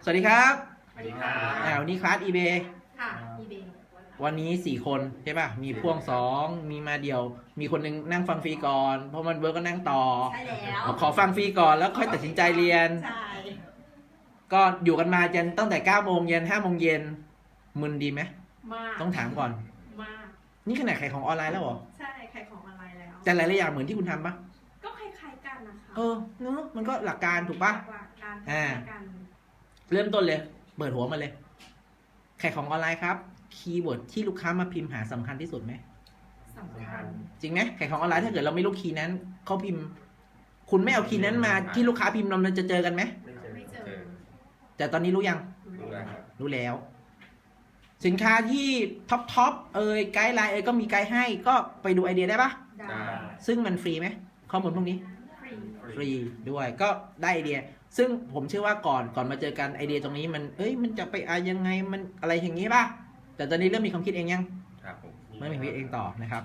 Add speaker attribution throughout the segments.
Speaker 1: สวัสดีครับ
Speaker 2: สวัสดีครับ
Speaker 1: วันนี้คลาส eBay
Speaker 3: ค่ะ eBay
Speaker 1: วันนี้4 คนใช่ป่ะ มีพ่วง2มีมาเดี่ยว มีคนหนึงนั่งฟังฟรีก่อน เพราะมันเวิร์กก็นั่งต่อ
Speaker 3: ใช่แล้ว
Speaker 1: ขอฟังฟรีก่อนแล้วค่อยตัดสินใจเรียน
Speaker 3: ใช่
Speaker 1: ก็อยู่กันมาจนตั้งแต่9 โมงเย็น5 โมงเย็นมึนดีไหม
Speaker 3: มาก
Speaker 1: ต้องถามก่อน
Speaker 3: มาก
Speaker 1: นี่ขนาดขายของออนไลน์แล้วเหรอ
Speaker 3: ใช่ขายของออนไลน์แล้ว
Speaker 1: แต่หลายๆอย่างเหมือนที่คุณทำปะ
Speaker 3: ก็คล้ายๆกันนะคะ
Speaker 1: เนอะมันก็หลักการถูกปะ
Speaker 3: หลักๆการคล้ายๆกัน
Speaker 1: เริ่มต้นเลย เปิดหัวมาเลย ขายของออนไลน์ครับ คีย์เวิร์ดที่ลูกค้ามาพิมพ์หาสำคัญที่สุดไหม
Speaker 3: สำคัญ
Speaker 1: จริงไหมขายของออนไลน์ถ้าเกิดเราไม่รู้คีย์นั้นเขาพิมพ์ คุณไม่เอาคีย์นั้นมาที่ลูกค้าพิมพ์เราจะเจอกันไหม
Speaker 3: ไม่เจอ
Speaker 1: แต่ตอนนี้รู้ยัง
Speaker 3: รู้แล้ว
Speaker 1: รู้แล้ว สินค้าที่ท็อปไกด์ไลน์ก็มีไกด์ให้ก็ไปดูไอเดียได้ปะ
Speaker 3: ได้
Speaker 1: ซึ่งมันฟรีไหมข้อมูลพวกนี้
Speaker 3: ฟรี
Speaker 1: ฟรีด้วยก็ได้ไอเดีย ซึ่งผมเชื่อว่าก่อนมาเจอกันไอเดียตรงนี้มันจะไปยังไงมันอะไรอย่างนี้ป่ะแต่ตอนนี้เริ่มมีความคิดเองยัง
Speaker 2: ครับผม
Speaker 1: ไม่มีความคิดเองต่อนะครับ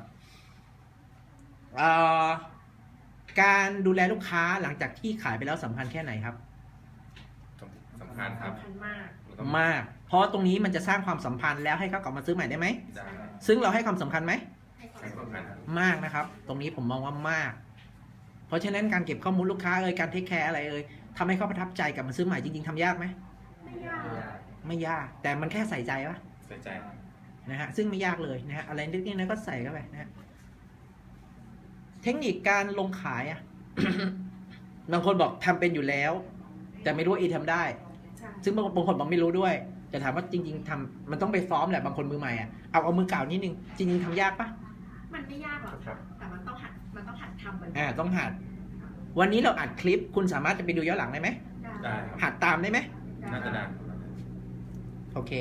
Speaker 1: การดูแลลูกค้าหลังจากที่ขายไปแล้วสำคัญแค่ไหนครับ
Speaker 2: สำคัญครับ
Speaker 3: สำคัญมาก
Speaker 1: มาก เพราะตรงนี้มันจะสร้างความสัมพันธ์แล้วให้เขากลับมาซื้อใหม่ได้ไหม
Speaker 2: ได้
Speaker 1: ซึ่งเราให้ความสำคัญไหม
Speaker 3: ให้ความ
Speaker 2: ใช้สำคัญครับ
Speaker 1: มากนะครับ ตรงนี้ผมมองว่ามาก เพราะฉะนั้นการเก็บข้อมูลลูกค้าการเทคแคร์อะไรทำให้เขาประทับใจกลับมาซื้อใหม่จริงๆทำยากไหม
Speaker 3: ไม่ยาก
Speaker 1: ไม่ยาก แต่มันแค่ใส่ใจปะ
Speaker 2: ใส่ใจครับ
Speaker 1: นะฮะซึ่งไม่ยากเลยนะฮะอะไรนิดๆนะก็ใส่เข้าไปนะฮะเทคนิคการลงขายอ่ะ บางคนบอกทำเป็นอยู่แล้ว แต่ไม่รู้ว่าทำได้
Speaker 3: ใช่
Speaker 1: ซึ่งบางคนบอกไม่รู้ด้วยแต่ถามว่าจริงๆทำมันต้องไปซ้อมแหละบางคนมือใหม่อ่ะเอามือเก่านิดนึงจริงๆทำยากปะ
Speaker 3: มันไม่ยากหรอกค่ะแต่มันต้องหัดทำบ่อยๆ
Speaker 1: ต้องหัด วันนี้เราอัดคลิปคุณสามารถจะไปดูย้อนหลังได้ไหม
Speaker 2: ได้ครับ
Speaker 1: หัดตามได้ไหม
Speaker 2: น่าจะได้
Speaker 1: โอเค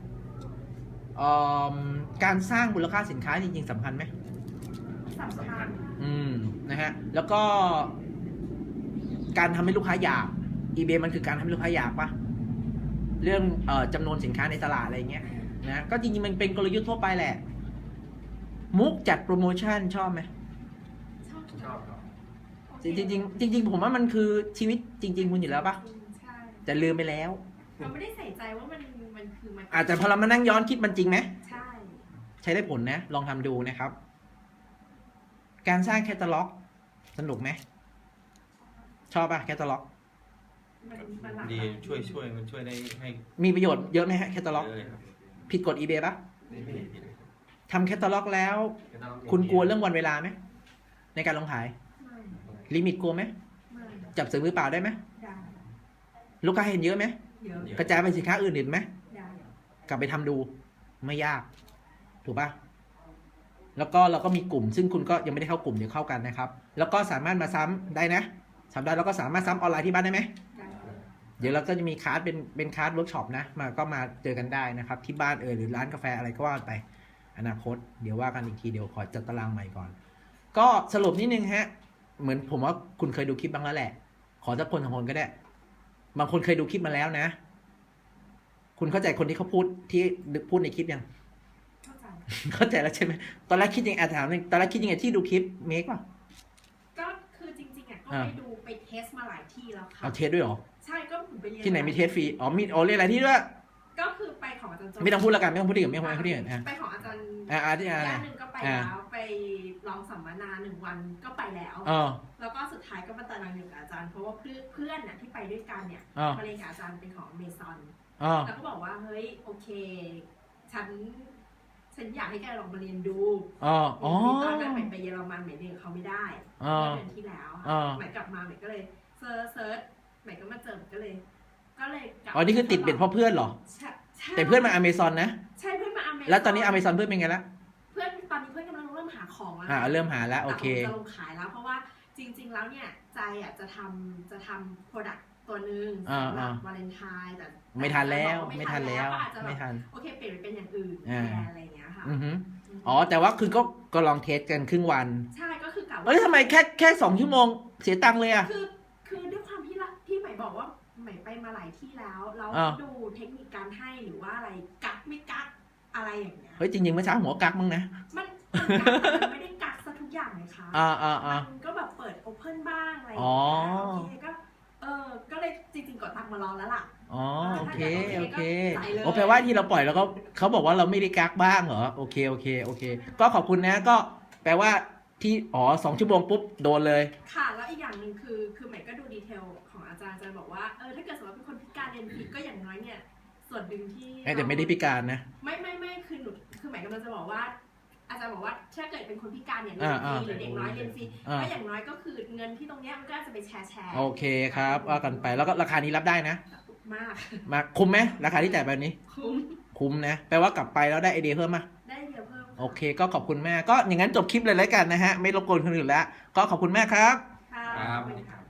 Speaker 1: การสร้างมูลค่าสินค้าจริงๆสำคัญไหม
Speaker 3: สำคัญ
Speaker 1: นะฮะแล้วก็การทำให้ลูกค้าอยาก eBay มันคือการทำให้ลูกค้าอยากปะเรื่องจำนวนสินค้าในตลาดอะไรเงี้ยนะก็จริงๆมันเป็นกลยุทธ์ทั่วไปแหละ มุกจัดโปรโมชั่นชอบไหม
Speaker 2: ชอบครับ
Speaker 1: จริงๆผมว่ามันคือชีวิตจริง ๆ คุณอยู่แล้วปะ
Speaker 3: ใช่
Speaker 1: แต่ลืมไปแล้ว
Speaker 3: เราไม่ได้ใส่ใจว่ามันคือมัน
Speaker 1: อาจจะพอเรามานั่งย้อนคิดมันจริงไหม
Speaker 3: ใช่
Speaker 1: ใช้ได้ผลนะลองทำดูนะครับ การสร้างแคตตาล็อกสนุกไหมชอบปะแคตตาล็อก
Speaker 3: มันหลากหลาย
Speaker 2: ดีช่วยมันช่วยได้ให้
Speaker 1: มีประโยชน์เยอะไหมฮะแคตตาล็อก
Speaker 2: เยอะเลยครับ
Speaker 1: ผิดกฎ eBay ปะ
Speaker 2: ไม่ผิดเลย
Speaker 1: ทำแคตตาล็อกแล้ว คุณกลัวเรื่องวันเวลาไหมในการลงขาย
Speaker 3: ไม่
Speaker 1: ลิมิตกลัวไหม
Speaker 3: ไม่
Speaker 1: จับซื้อมือเปล่าได้ไหม
Speaker 3: ได้
Speaker 1: ลูกค้าเห็นเยอะไหม
Speaker 3: เยอะ
Speaker 1: กระจายไปสินค้าอื่นไหม
Speaker 3: ได้
Speaker 1: กลับไปทำดูไม่ยาก ถูกปะแล้วก็เราก็มีกลุ่ม ซึ่งคุณก็ยังไม่ได้เข้ากลุ่มเดี๋ยวเข้ากันนะครับ แล้วก็สามารถมาซ้ำได้นะซ้ำได้แล้วก็สามารถซ้ำออนไลน์ที่บ้านได้ไหม
Speaker 3: ได้
Speaker 1: เดี๋ยวเราก็จะมีคลาสเป็นคลาสเวิร์กช็อปนะมาเจอกันได้นะครับ ที่บ้านหรือร้านกาแฟอะไรก็ว่าไป อนาคตเดี๋ยวว่ากันอีกทีเดี๋ยวขอจัดตารางใหม่ก่อน ก็สรุปนิดนึงฮะ เหมือนผมว่าคุณเคยดูคลิปบ้างแล้วแหละ ขอสักคนสองคนก็ได้ บางคนเคยดูคลิปมาแล้วนะ คุณเข้าใจคนที่เขาพูดในคลิปยัง
Speaker 3: เข้าใจ
Speaker 1: เข้าใจแล้วใช่ไหมตอนแรกคิดยังไงถามหนึ่งตอนแรกคิดยังไงที่ดูคลิปเมคป่ะ
Speaker 3: ก็คือจริงๆอ่ะก็ไปดูไปเทสมาหลายที่แล้วค่ะ
Speaker 1: เอาเทสด้วยเหรอ
Speaker 3: ใช่ก็ผมไปเรียน
Speaker 1: ที่ไหนมีเทสฟรีอ๋อมีเรียนอะไรที่ด้วย
Speaker 3: ก็คือไปของอาจารย์โจ
Speaker 1: ไม่ต้องพูดละกันไม่ต้องพูดดีกว่าไม่ต้องพูดดีกว่าอ่ะ
Speaker 3: ไปของอาจารย์
Speaker 1: ที่อะไร
Speaker 3: ย่านหนึ่งก็ไปแล้วไปลองสัมมนา1 วันก็ไปแล้ว
Speaker 1: อ๋อ
Speaker 3: แล้วก็สุดท้ายก็มาตารางอยู่กับอาจารย์เพราะว่าเพื่อนน่ะที่ไปด้วยกันเนี่ย
Speaker 1: อ๋อ
Speaker 3: มาเรียนกับอาจารย์เป็นของเมซอน
Speaker 1: อ๋อ
Speaker 3: แล้วก็บอกว่าเฮ้ยโอเค ฉันอยากให้แกลองมาเรียนดู
Speaker 1: อ๋ออ๋อ
Speaker 3: ตอนนั้นใหม่ไปเยอรมันใหม่เรียนกับเขาไม่ได้
Speaker 1: อ๋อ
Speaker 3: เมื่อเดือนที่แล้ว
Speaker 1: อ๋อ
Speaker 3: ใหม่กลับมาใหม่ก็เลยเซิร์ชใหม่ก็มาเจอก็เลยกลับ
Speaker 1: อ๋อนี่คือติดเบ็ดเพราะเพื่อนเหรอ
Speaker 3: ใช่ใช่
Speaker 1: แต่เพื่อนมาอเมซอนนะ
Speaker 3: ใช่เพื่อนมาอเมซอน
Speaker 1: แล้วตอนนี้อเมซอนเพื่อนเป็นไงละ
Speaker 3: เพื่อนตอนนี้เพื่อนกำลังเริ่มหาของแล้ว
Speaker 1: เริ่มหาแล้วโอเค
Speaker 3: แต่ผมจะลงขายแล้วเพราะว่าจริง ๆ แล้วเนี่ยใจอ่ะจะทำโปรดักต์ตัวหนึ่งสำหรับวาเลนไทน์แต่
Speaker 1: ไม่ทันแล้ว
Speaker 3: ก็
Speaker 1: ไม่ทันแล้ว
Speaker 3: ก็อาจจะแบบ
Speaker 1: ไม่ทัน
Speaker 3: โอเคเปลี่ยนไปเป็นอย่างอื่นแทนอะไรอย่างเงี้ยค่ะ
Speaker 1: อือฮึอ๋อแต่ว่าคือก็ลองเทสกันครึ่งวัน
Speaker 3: ใช่ก็คือกะ
Speaker 1: เอ้ยทำไมแค่2 ชั่วโมงเสียตังค์เลยอ่ะ
Speaker 3: คือด้วยความที่ใหม่บอกว่าใหม่ไปมาหลายที่แล้วเรา
Speaker 1: อ่า
Speaker 3: ดูเทคนิคการให้หรือว่าอะไรกักไม่กักอะไรอย่างเงี้ย
Speaker 1: เฮ้ยจริงๆเมื่อเช้าหัวกักมั้งนะ
Speaker 3: มันกักแต่มันไม่ได้กักซะทุกอย่างเลยค่ะ มันก็แบบเปิดโอเพ่นบ้างอะไรอย่างเงี้ยโอเคก็เลยจริงๆกดตังค์มารอแล้วล่ะ
Speaker 1: อ๋อโอเคโอเค
Speaker 3: ใส่เลย
Speaker 1: โอ้แปลว่าที่เราปล่อยแล้วก็เขาบอกว่าเราไม่ได้กักบ้างเหรอโอเคโอเคโอเค ก็ขอบคุณนะก็แปลว่าที่2 ชั่วโมงปุ๊บโดนเลย
Speaker 3: ค่ะแล้วอีกอย่างหนึ่งคือใหม่ก็ดูดีเทลของอาจารย์บอกว่าถ้าเกิดสมมติว่าเป็นคนพิการเรียนฟรีก็อย่างน้อยเนี่ยส่วนหนึ่งที่
Speaker 1: แต่ไม่ได้พิการนะ
Speaker 3: ไม่คือหนูคือหมายกำลังจะบอกว่า อาจารย์บอกว่าถ้าเกิดเป็นคนพิการเนี่ยเรียนฟรีหรือเด็กน้อยเรียนฟรีก็อย่างน้อยก็คือเงินที่ตรงเนี้ยมันก็จะไปแชร์
Speaker 1: โอเคครับว่ากันไปแล้วก็ราคานี้รับได้นะ
Speaker 3: มาก
Speaker 1: มาคุ้มไหมราคาที่จ่ายแบบนี้ คุ้มนะแปลว่ากลับไปแล้วได้ไอเดียเพิ่มมา
Speaker 3: ได้เดียวเพิ่ม
Speaker 1: โอเคก็ขอบคุณแม่ก็อย่างนั้นจบคลิปเลยแล้วกันนะฮะไม่รบกวนคนอื่นแล้วก็ขอบคุณแม่ครับ
Speaker 3: ค่ะ
Speaker 2: ครับ
Speaker 3: ขอบคุณค่ะ